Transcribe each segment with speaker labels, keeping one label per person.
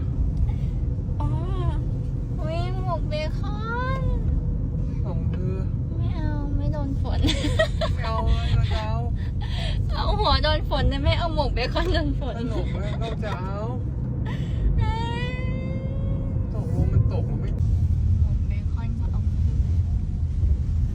Speaker 1: อ๋อวิ่งหมกเบคอน
Speaker 2: ของเธอ
Speaker 1: ไม่เอาไม่โดนฝน
Speaker 2: ไม่เอาเลยเราจะเอา
Speaker 1: เอาหัวโดนฝนแต่ไม่เอาหมกเบคอนโดนฝน
Speaker 2: ตลกเลยเราจะเอาตกลงมันตกมันไม่
Speaker 1: หมกเบคอนก็เอามา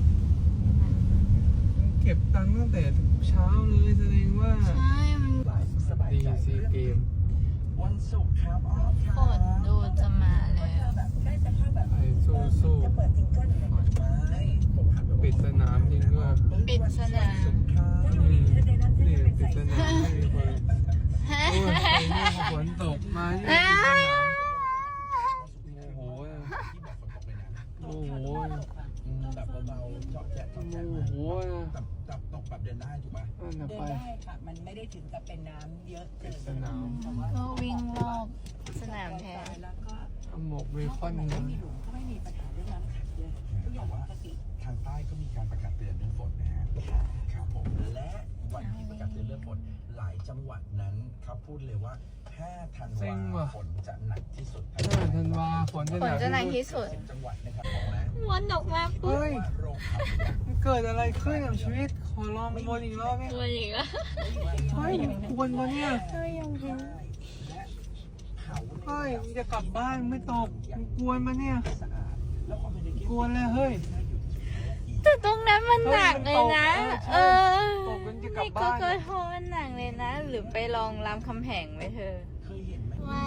Speaker 2: เก็บตังค์ตั้งแต่เช้าเลยแสดงว่า
Speaker 1: ใช่มัน
Speaker 2: ดีซีเกม
Speaker 3: วันศุกร์ครับอ๋อค
Speaker 1: ฝ
Speaker 3: รับ
Speaker 1: นดูจะมาแล้ว
Speaker 3: แบบได้สภาพแบบ
Speaker 2: ไอ้สู้
Speaker 3: จะเปิดซิงเกิลเลยไม่ผมหันไป
Speaker 2: ปิดสนามจริงด้วย
Speaker 1: ปิดสนาม
Speaker 2: นี่ปิดสนามไม่มีคนโอ้ยฝนตกมาที่ปิดสนามโอ้โหโอ้โห
Speaker 3: แบบเบาๆเจาะแจ๊ะเจาะแจ๊ะ
Speaker 2: โอ้โห
Speaker 3: แบบตกแบบเดินได้ถูกป่ะ
Speaker 2: นั่น
Speaker 3: เดิน
Speaker 2: ไป
Speaker 3: ได้ค่ะมันไม่ได้ถึงกับเป็นน้ำเยอะเกิน
Speaker 2: สนาม
Speaker 1: ก็วิ่งรอบสนามแทน
Speaker 3: แล้วก็
Speaker 2: เอาหมกเบคอน
Speaker 3: ไม่
Speaker 2: มา
Speaker 3: มีหลุมก็ไม่มีปัญหาเรื่องน้ำขังเลยทุกอย่างปกติ
Speaker 4: ทางใต้ก็มีการประกาศเตือนเรื่องฝนนะฮะครับผมและวันที่ประกาศเตือนเรื่องฝนหลายจังหวัดนั้นเขาพูดเลยว่า5 ธันวาฝนจะหนักที่สุด
Speaker 2: 5 ธันวาฝนจะ
Speaker 1: ฝนจะหนักที่สุด
Speaker 4: 10 จังหวัดนะครับของนะ
Speaker 1: วนออกมาปุ๊บ
Speaker 2: เฮ้ย
Speaker 4: โรงขับ
Speaker 2: มันเกิดอะไรขึ้นกับชีวิตขอลองวนอีกรอบไหม
Speaker 1: วนอีกแล้ว
Speaker 2: เฮ้ยควรปะเนี่ย
Speaker 1: เฮ้ยยังพิง
Speaker 2: เฮ้ยมึงจะกลับบ้านไม่ตกมึงกวนมาเนี่ย
Speaker 4: สะอาดแล้วความเป็น
Speaker 2: กวนเลยเฮ้ย
Speaker 1: แต่ตรงนั้นมันหนักเลยนะ
Speaker 2: เฮ้ย
Speaker 1: เอ
Speaker 2: มันตก
Speaker 1: อ
Speaker 2: ใช่ตกกันจะกลับบ้าน
Speaker 1: ก็โทษมันหนักเลยนะ หรือไปลองรามคำแหงไหมเธอ
Speaker 4: เคยเห็นไหม
Speaker 1: ว้าว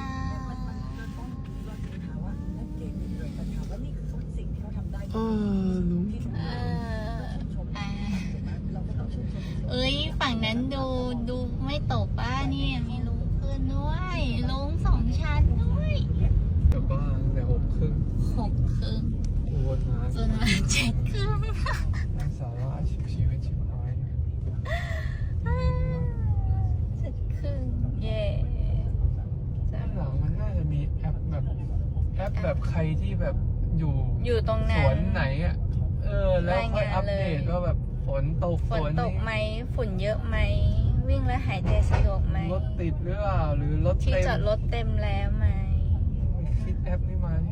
Speaker 2: เออลุง
Speaker 1: เอออ่ะเอ้ยฝั่งนั้นดูไม่ตกป้าเนี่ยมีลุงขึ้นด้วยลุง2 ชั้นด้วย
Speaker 2: กลับบ้านแต่
Speaker 1: 6 ครึ่ง
Speaker 2: วนมา
Speaker 1: จนมา7 ครึ่ง
Speaker 2: สาระชีวิตชิบหาย
Speaker 1: 7 ครึ่งเย่
Speaker 2: ด้านหลังมันน่าจะมีแอปแบบใครที่แบบอยู่
Speaker 1: ตรง
Speaker 2: ส
Speaker 1: นั้น
Speaker 2: วนไหนอ่ะแล้วค่อยอัปเดตว่าแบบฝนตก
Speaker 1: ฝนตกไหมฝุ่นเยอะไหมวิ่งแล้วหายใจสะดวกไหม
Speaker 2: รถติดหรือเปล่าหรือรถ
Speaker 1: ที่
Speaker 2: เต็ม
Speaker 1: จอดรถเต็มแล้วไหม
Speaker 2: คิดแอปนี้มาดิ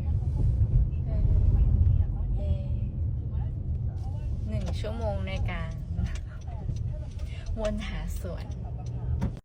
Speaker 1: 1 ชั่วโมงในการวนหาสวน